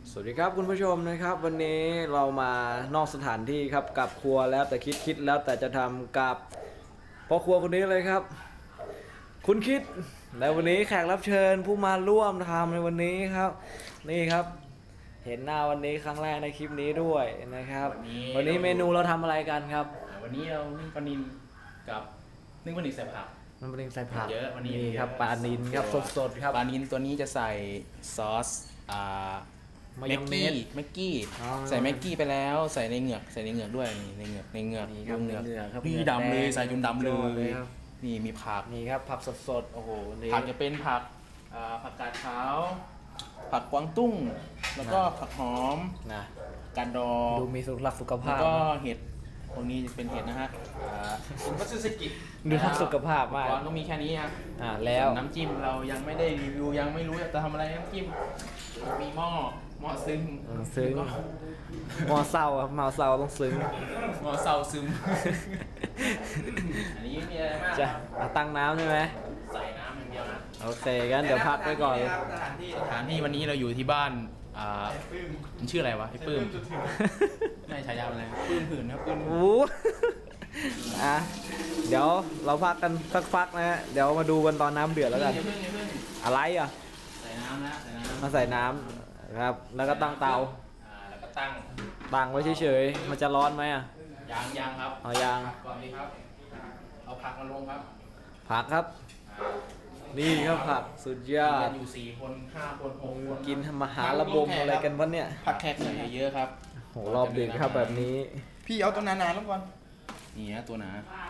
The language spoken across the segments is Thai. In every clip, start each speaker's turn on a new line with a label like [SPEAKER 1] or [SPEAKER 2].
[SPEAKER 1] สวัสดีครับคุณผู้ชมนะครับวันนี้เรามานอกสถานที่ครับกับครัวแล้วแต่คิดแล้วแต่จะทำกับพ่อครัวคนนี้เลยครับคุณคิดและวันนี้แขกรับเชิญผู้มาร่วมทำในวันนี้ครับนี่ครับเห็นหน้าวันนี้ครั้งแรกในคลิปนี้ด้วยนะครับวันนี้เมนูเราทำอะไรกันครับ
[SPEAKER 2] วันนี้เรานึ่งปลานิลกับนึ่งปลานิลใส่ผัก
[SPEAKER 1] มันเป็นใส่ผัก
[SPEAKER 2] เยอะวันนี้
[SPEAKER 1] ครับปลานิลครับสดๆครับ
[SPEAKER 2] ปลานิลตัวนี้จะใส่ซอส
[SPEAKER 1] มายองเนส
[SPEAKER 2] แม็กกี้ใส่แม็กกี้ไปแล้วใส่ในเหงือกด้วยนี่ในเหงือก
[SPEAKER 1] ดูเหงือก
[SPEAKER 2] นี่ดำเลยใส่จนดำเลยนี่มีผัก
[SPEAKER 1] นี่ครับผักสดๆโอ้โห
[SPEAKER 2] ผักจะเป็นผักผักกาดขาวผักกวางตุ้งแล้วก็ผักหอม
[SPEAKER 1] นะ
[SPEAKER 2] กาดดอง
[SPEAKER 1] ดูมีสุขภาพ
[SPEAKER 2] แล้วก็เห็ดตรงนี้เป็นเห็ดนะฮะเป็นมัตสึสกิ
[SPEAKER 1] ดูทักสุขภาพมาก
[SPEAKER 2] ก็มีแค่นี้ครับ
[SPEAKER 1] แล้ว
[SPEAKER 2] น้ำจิ้มเรายังไม่ได้รีวิวยังไม่รู้จะทำอะไรน้ำจิ้มมีหม้อซึ้ง
[SPEAKER 1] หม้อเศร้าครับหม้อเศร้าต้องซึ้ง
[SPEAKER 2] หม้อเศร้าซึมอันนี้มีอะไรมาก
[SPEAKER 1] จะตั้งน้ำใช่ไหม
[SPEAKER 2] ใส่น้ำอย่างเดียวนะ
[SPEAKER 1] โอเคงั้นเดี๋ยวพักไปก่อน
[SPEAKER 2] สถานที่วันนี้เราอยู่ที่บ้านมันชื่ออะไรวะไอ้ปื้มไม่ฉายาอะไรปื้มหื่นครับปื้ม
[SPEAKER 1] เดี๋ยวเราพักกันสักพักนะฮะเดี๋ยวมาดูกันตอนน้ำเดือดแล้วกันอะไร
[SPEAKER 2] ใส่น้ำนะ
[SPEAKER 1] มาใส่น้ำครับแล้วก็ตั้งเตา
[SPEAKER 2] แล้วก็ตั้
[SPEAKER 1] งไว้เฉยๆมันจะร้อนไหม
[SPEAKER 2] ยังครับ
[SPEAKER 1] เอายาง
[SPEAKER 2] ก่อนนี้ครับเอาผักมาลงครับ
[SPEAKER 1] ผักครับนี่ครับผักสุดยอด
[SPEAKER 2] อยู่4 คน 5 คน 6 คน
[SPEAKER 1] กินมหาระบมอะไรกันวะเนี่ย
[SPEAKER 2] ผักแขกใส่เยอะครับ
[SPEAKER 1] โหรอบดึกครับแบบนี้
[SPEAKER 2] พี่เอาตัวหนาๆลงก่อนนี่นะตัวหนา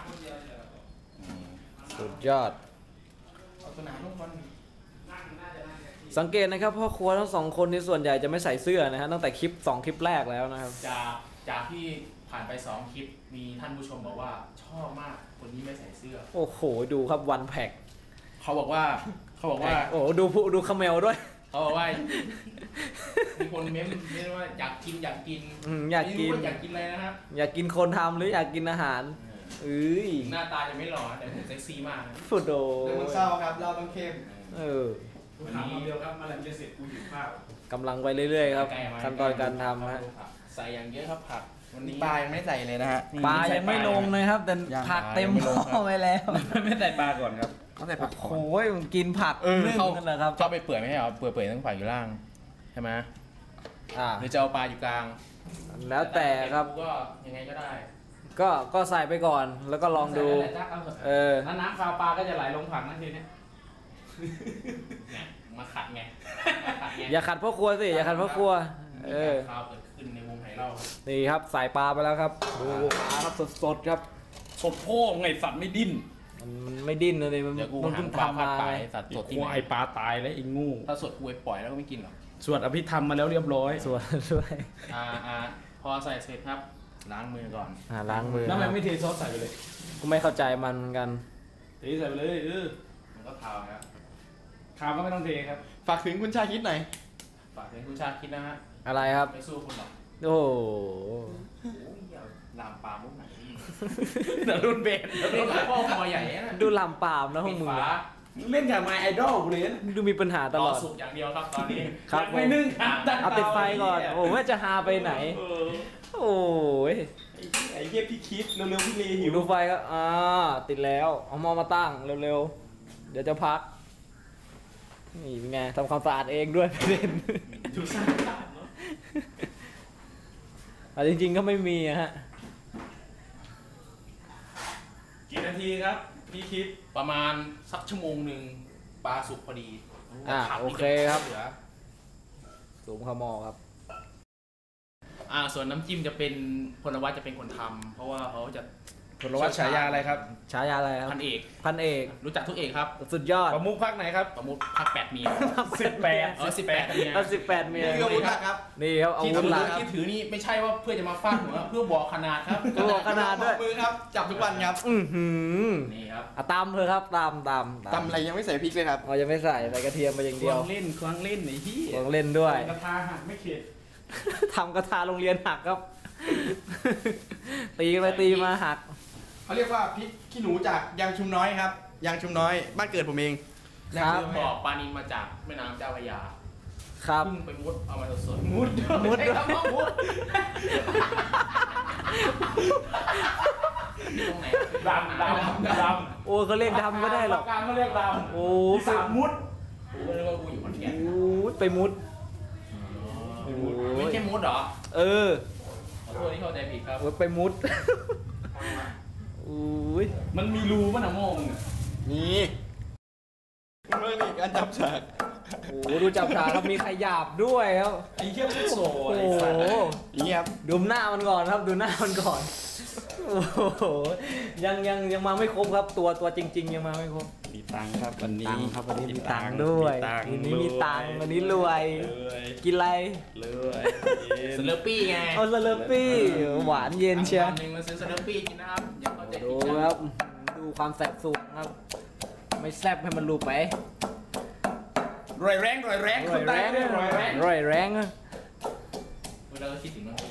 [SPEAKER 1] สุดยอด
[SPEAKER 2] เอาตัวหนาลงก่อน
[SPEAKER 1] สังเกตนะครับพ่อครัวทั้ง2 คนในส่วนใหญ่จะไม่ใส่เสื้อนะฮะตั้งแต่2 คลิปแรกแล้วนะครับ
[SPEAKER 2] จากที่ผ่านไป2 คลิปมีท่านผู้ชมบอกว่าชอบมากคนนี้ไม่ใส่เสื้อ
[SPEAKER 1] โอ้โหดูครับวันแพ็ค
[SPEAKER 2] เขาบอกว่า
[SPEAKER 1] โอ้ดูคาเมลด้วย
[SPEAKER 2] เขาบอกว่ามีคนเม้นว่าอยากกินอยากกินอะไรนะครับ
[SPEAKER 1] อยากกินคนทำหรืออยากกินอาหาร
[SPEAKER 2] หน้าตาจะไม่หล่อแต่ผมเซ็กซี่มาก
[SPEAKER 1] ฟุดโด
[SPEAKER 3] มันเศร้าครับเราต้องเข้ม
[SPEAKER 2] วันนี้เดียวครับมาลังจะเสร็จกูหิวข้าว
[SPEAKER 1] กำลังไปเรื่อยๆครับขั้นตอนการทำฮะ
[SPEAKER 2] ใส่อย่างเยอะครับผัก
[SPEAKER 3] วันนี้ปลายังไม่ใส่เลยนะฮะ
[SPEAKER 1] ปลายังไม่ลงเลยครับแต่ผักเต็มหม้อไปแล้ว
[SPEAKER 2] ไม่ใส่ปลาก่อนครับ
[SPEAKER 3] ต้องใส่ผัก
[SPEAKER 1] โอ้ยกินผัก
[SPEAKER 2] เขาครับชอบไปเปื่อยไม่ใช่เหรอเปื่อยต้องฝ่ายอยู่ล่างใช่ไหมหรือจะเอาปลาอยู่กลาง
[SPEAKER 1] แล้วแต่ครับ
[SPEAKER 2] ก็ยังไงก็ได้
[SPEAKER 1] ก็ใส่ไปก่อนแล้วก็ลองดู
[SPEAKER 2] แล้วน้ำคาวปลาก็จะไหลลงผักนั่นทีนี้มาขัดไง
[SPEAKER 1] อย่าขัดพ่อครัวสิอย่าขัดพ่อครัว
[SPEAKER 2] ข้าวเกิดขึ้นในวงไหเรา
[SPEAKER 1] นี่ครับใส่ปลาไปแล้วครับดูปลาครับสดครับ
[SPEAKER 2] สดโพ่งไงสัตว์ไม่ดิ้น
[SPEAKER 1] มันไม่ดิ้นเลยมันเพิ่งทำมา
[SPEAKER 2] สัตว์สดที่ไอปลาตายแล้วไอ้งูถ้าสดกูไปปล่อยแล้วก็ไม่กินหรอก
[SPEAKER 1] สวดอภิธรรมมาแล้วเรียบร้อยสวดด้วย
[SPEAKER 2] พอใส่เสร็จครับล้างมือก่อน
[SPEAKER 1] ล้างมือ
[SPEAKER 2] แล้วมันไม่เทซอสใส่ไปเลย
[SPEAKER 1] กูไม่เข้าใจมันเหมือนกัน
[SPEAKER 2] เทใส่ไปเลยมันก็ขาวครับขาวก็ไม่ต้องเทครับ
[SPEAKER 3] ฝากถึงคุณชาคิดหน่อย
[SPEAKER 2] ฝากถึงคุณชาคิดนะฮะ
[SPEAKER 1] อะไรครับ
[SPEAKER 2] ไม่สู้คุณหรอก
[SPEAKER 1] โอ้
[SPEAKER 2] ลามปามมุกไหนแต่รุ่นเบสพ่อคอใหญ่นะ
[SPEAKER 1] ดูลามปามนะพวกมึง
[SPEAKER 2] เล่นกับไมไอดอลกูเลย
[SPEAKER 1] ดูมีปัญหาตลอด
[SPEAKER 2] สุกอย่างเดียวครับตอนนี้
[SPEAKER 1] ครับ
[SPEAKER 2] ไม่นึ่งครับ
[SPEAKER 1] เอาติดไฟก่อนโอ้ว่าจะหาไปไหนโอ้ย
[SPEAKER 2] ไอ้เหี้ยพี่คิดเร็วๆพี่เลหิว
[SPEAKER 1] ดูไฟก็ติดแล้วเอาหม้อมาตั้งเร็วๆเดี๋ยวจะพักนี่เป็นไงทำความสะอาดเองด้วยประเด็น
[SPEAKER 2] ดูสะอาดเนาะ
[SPEAKER 1] จริงๆก็ไม่มีฮะ
[SPEAKER 2] กี่นาทีครับพี่คิดประมาณสัก1 ชั่วโมงปลาสุกพอดี
[SPEAKER 1] โอเคครับสูงขมอครับ
[SPEAKER 2] ส่วนน้ำจิ้มจะเป็นพลวัตจะเป็นคนทำเพราะว่าเขาจะ
[SPEAKER 3] พลวัตฉายาอะไรครับ
[SPEAKER 1] ฉายาอะไรครับ
[SPEAKER 2] พันเอกรู้จักทุกเอกครับ
[SPEAKER 1] สุดยอด
[SPEAKER 3] ประมุขภาคไหนครับ
[SPEAKER 2] ประมุขภาค8เมีย
[SPEAKER 1] 18เมีย18เมีย
[SPEAKER 3] นี่อาวุธหลักครับ
[SPEAKER 1] นี่ครับอาวุธหลัก
[SPEAKER 2] ที่ถือนี่ไม่ใช่ว่าเพื่อจะมาฟาดหัวเพื่อบอกขนาดครับ
[SPEAKER 1] บอกขนาดด้วย
[SPEAKER 3] มือครับจับทุกวันครับ
[SPEAKER 2] นี่ครับ
[SPEAKER 1] ตำเลยครับตำ
[SPEAKER 3] อะไรยังไม่ใส่พริกเลยครับ
[SPEAKER 1] ยังไม่ใส่กระเทียมไปอย่างเดียว
[SPEAKER 2] ควงเล่นไอ้ที่
[SPEAKER 1] ควงเล่นด้วย
[SPEAKER 2] กระทาหักไม่เข็ด
[SPEAKER 1] ทำกระทาโรงเรียนหักครับตีไปตีมาหัก
[SPEAKER 3] เขาเรียกว่าพริกขี้หนูจากยางชุมน้อยครับยางชุมน้อยบ้านเกิดผมเอง
[SPEAKER 2] ครับบอกปลานิลมาจากแม่น้ำเจ้าพระยา
[SPEAKER 1] ครับ
[SPEAKER 2] เพิ่งไปมุดเอามาสดๆ
[SPEAKER 1] มุด
[SPEAKER 2] มุดมุดตรงไหน
[SPEAKER 4] ด
[SPEAKER 1] โอ้เขาเรียกดำก็ได้หรอก
[SPEAKER 4] การเขาเรียกด
[SPEAKER 1] โอ้
[SPEAKER 4] ำสามมุด
[SPEAKER 2] กูก็นึกว่ากูอยู่ขอนแก่น
[SPEAKER 1] โอ้ไปมุด
[SPEAKER 2] ไม่ใช่มุดเหรอ
[SPEAKER 1] เออ
[SPEAKER 2] ขอโทษที่เข้าใจผิดครับ
[SPEAKER 1] โอ้ไปมุดอุ้ย
[SPEAKER 4] มันมีรูป่ะนะโม่ง
[SPEAKER 3] นี่เมื่อนี่การจับฉาก
[SPEAKER 1] โอ้ดูจับฉากครับมีขยับด้วยครับ
[SPEAKER 4] ไอ้เหี้ยโซ่
[SPEAKER 1] โอ้
[SPEAKER 4] ไอ้
[SPEAKER 1] โห
[SPEAKER 4] สัตว์
[SPEAKER 3] นี่ครับ
[SPEAKER 1] ดูหน้ามันก่อนครับดูหน้ามันก่อนโอ้โหยังมาไม่ครบครับ ตัวจริง ๆ ยังมาไม่ครบ
[SPEAKER 4] มีตังค์ครับวันนี้
[SPEAKER 1] ตังค์ครับวันนี้มีตังค์ด้วย วันนี้มีตังค์วันนี้รวย กินอะไร
[SPEAKER 4] รวย
[SPEAKER 2] สเลอร์ปี้ไง
[SPEAKER 1] เอาสเลอร์ปี้หวานเย็นเชียว
[SPEAKER 2] วันหนึ่งมาซื้อสเลอร์ปี้กินนะครับอย่าเข้าใจผิ
[SPEAKER 1] ดู
[SPEAKER 2] ดนะ
[SPEAKER 1] ครับ ดูความแสบสูงครับ ไม่แซบให้มันรู้ไป
[SPEAKER 3] รวยแรง
[SPEAKER 1] ร่อยแรงร่อยแรง
[SPEAKER 2] เวลาเราคิดถึงมัน